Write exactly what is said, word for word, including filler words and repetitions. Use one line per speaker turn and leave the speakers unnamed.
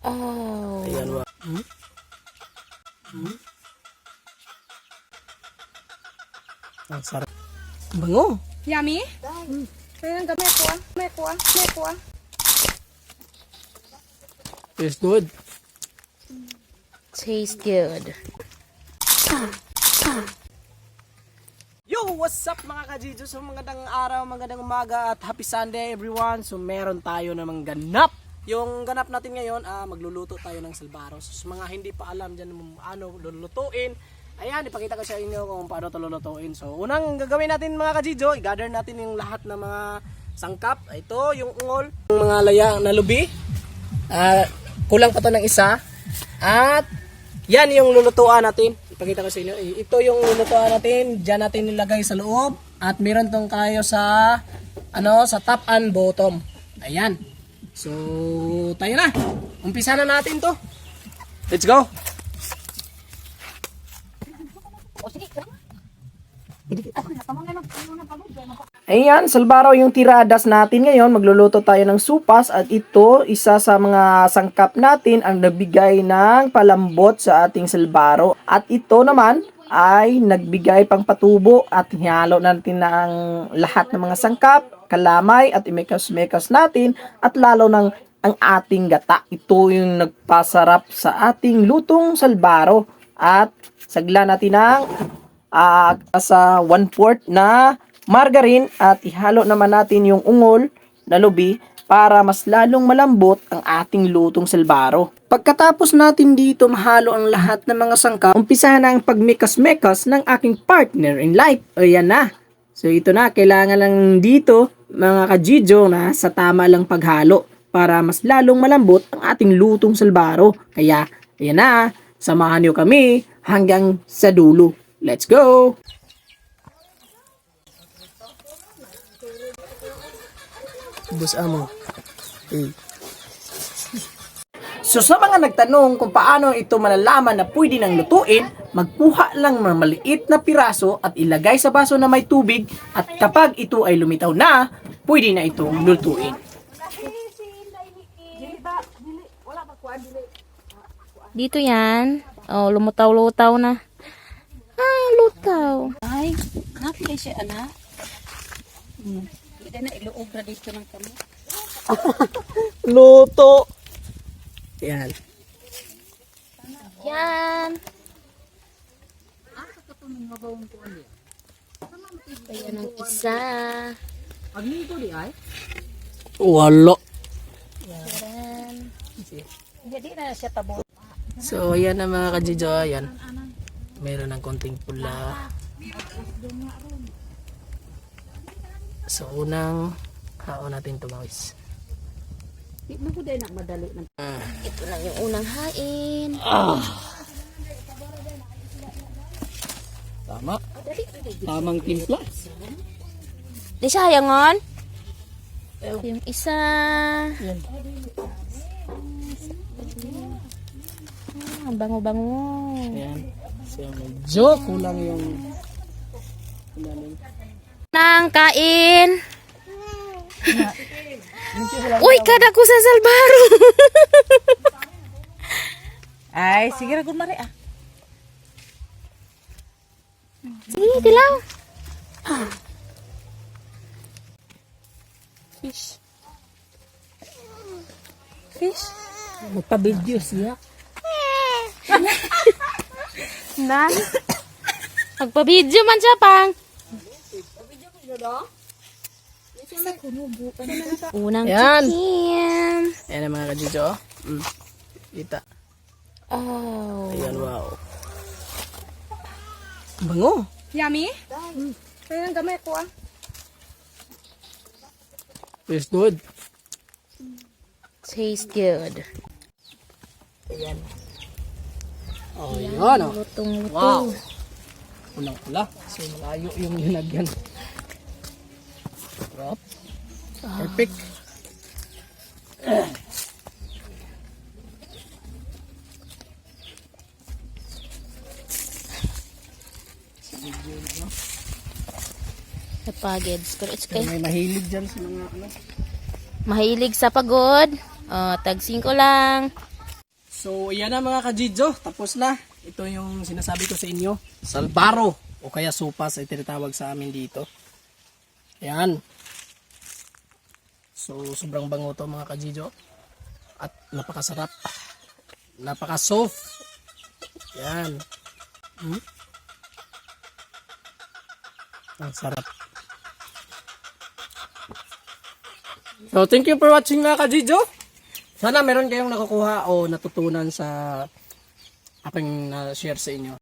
Oh.
Ayan wa. Hmm? Hmm? Ang sarap. Bango.
Yummy? Mm. Kaya gamay ko ah. Gamay ko ah. Gamay ko ah.
Tastes good.
Tastes good.
Yo, what's up mga ka-Jijo? So magandang araw, magandang umaga at happy Sunday everyone. So meron tayo namang ganap. Yung ganap natin ngayon, ah, magluluto tayo ng salbaros. So, mga hindi pa alam dyan ano lulutuin, ayan, ipakita ko sa inyo kung paano ito lulutuin. So unang gagawin natin mga ka-Jijo, i-gather natin yung lahat ng mga sangkap. Ito, yung ungol, yung mga laya na lubi. Ah, kulang pa to ng isa. At yan yung lulutuan natin. Ipakita ko sa inyo. Ito yung lulutuan natin. Diyan natin nilagay sa loob. At meron tong kayo sa ano, sa top and bottom. Ayan. So, tayo na. Umpisa na natin to. Let's go. Ayan, salbaro yung tiradas natin ngayon. Magluluto tayo ng supas at ito, isa sa mga sangkap natin ang nagbigay ng palambot sa ating salbaro. At ito naman ay nagbigay pang patubo at hinalo natin na ang lahat ng mga sangkap, kalamay at imekas-mekas natin at lalo ng ang ating gata. Ito yung nagpasarap sa ating lutong salbaro at sagla natin ng uh, sa one fourth na margarine at ihalo naman natin yung ungol na lubi para mas lalong malambot ang ating lutong salbaro. Pagkatapos natin dito mahalo ang lahat ng mga sangkap, umpisahan na ang pagmekas-mekas ng aking partner in life. O yan na. So ito na, kailangan lang dito mga ka-Jijo na sa tama lang paghalo para mas lalong malambot ang ating lutong salbaro. Kaya ayan na, samahan niyo kami hanggang sa dulo. Let's go! Bus amo. Hey. So sa mga nagtanong kung paano ito malalaman na pwede nang lutuin, magkuha lang ng maliit na piraso at ilagay sa baso na may tubig at kapag ito ay lumitaw na, pwede na itong lutuin.
Dito yan. Oh, lumutaw-lutaw na. Ah, lutaw.
Ay, napilay siya anak. Hmm. Hindi na iluog na dito ng kamo.
Luto. Yan.
Yan. Ayan ang isa.
Aglito di ay? Wala.
Yan.
Hindi na siya tabo.
So ayan na mga ka-Jijo, ayan. Meron ng konting pula. So unang haon natin ito guys.
Di mo ko din na madali na.
Ah.
Ito lang yung unang hain.
Ah. Tama. Tamang timpla.
Di sayangon. Yung isa.
Yan.
Ah, bango-bango.
Ayan. So medyo kulang yung kulang.
Nang kain. Uy, kada ko sa salbaro.
Ay, sige ra gud mari ah.
Sige, tilaw.
Fish. Fish. Magpa-video siya.
Nan. Magpa-video man siya pang. Unang
Yan.
chicken.
Ayan ang mga ka-Jijo. Mm. Kita.
Oh.
Ayan, wow. Bango.
Yummy? Mm. Kaya gamay ko ah.
Tastes good.
Tastes good.
Ayan. Oh, yan. Oh.
Lutong-luto.
Wow. Unang pula. So malayo yung linagyan. Sarap. Perfect.
Sa pageds. Pero it's okay.
May mahilig dyan sa mga ano.
Mahilig sa pagod. Oh, tag singko lang.
So, iyan na mga kajidjo. Tapos na. Ito yung sinasabi ko sa inyo. Salbaro. O kaya sopas ay tinatawag sa amin dito. Ayan. So, sobrang bango to mga kajidjo. At napakasarap. Napaka-soft. Ayan. Hmm? Ang sarap. So, thank you for watching mga kajidjo. Sana meron kayong nakukuha o natutunan sa aking na-share sa inyo.